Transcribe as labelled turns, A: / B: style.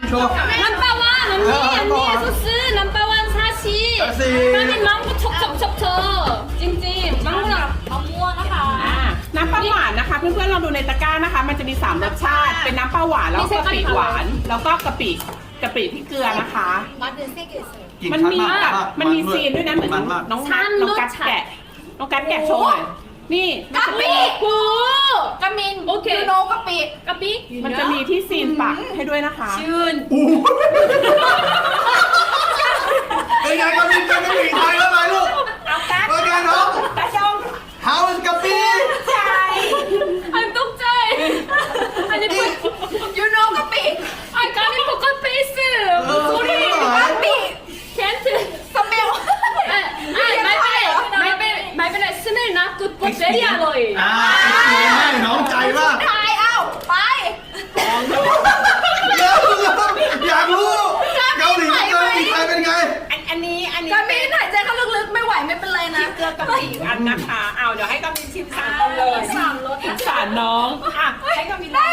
A: โชว์
B: 넘버원 언니 소스 넘버원 사시 까민 망고 척척척척 찜찜 망고랑 망고와นะคะ
C: น้ำปลาหวานนะคะเพื่อนๆลองดูในตะกร้านะคะ มันจะมี3รสชาติเป็นน้ำปลาหวานแล้วก็กะปิหวานแล้วก็กะปิที่เกลือนะคะ มันมีแบบมันมีซีนด้วยนะเหมือนน้องกัดแกะโชว์หน่อยนี่
B: กะปิกูกะมินโอเคยูโนกะปิกะปิ
C: มันจะมีที่ซีนปักให้ด้วยนะคะ
B: ชื่น
A: เป็นไงกะปิเป็นกะปิไทยแล้วไหมลูกเป็นไงน้อง How is กะปิ
B: อันตกใจอันนี้เป็นยูโนกะปิอันกะมินปกติ 소리กะปิแคนท์สเมลไม่เป็นไรสเมลนะกูดเบอร์รี่อร่อย
A: น้องใจมาก
B: ทายเอาไป
A: อยากรู้เกาหลีไทยเป็นไง
C: อันนี้
B: กะมินหายใจเข้าลึกๆไม่ไหวไม่เป็นไรนะ
C: เกลือกะปิอีกอันนะคะเอาเดี๋ยวให้กามินชิม3เลย3รสสารน้องอ่ะให้กามินได้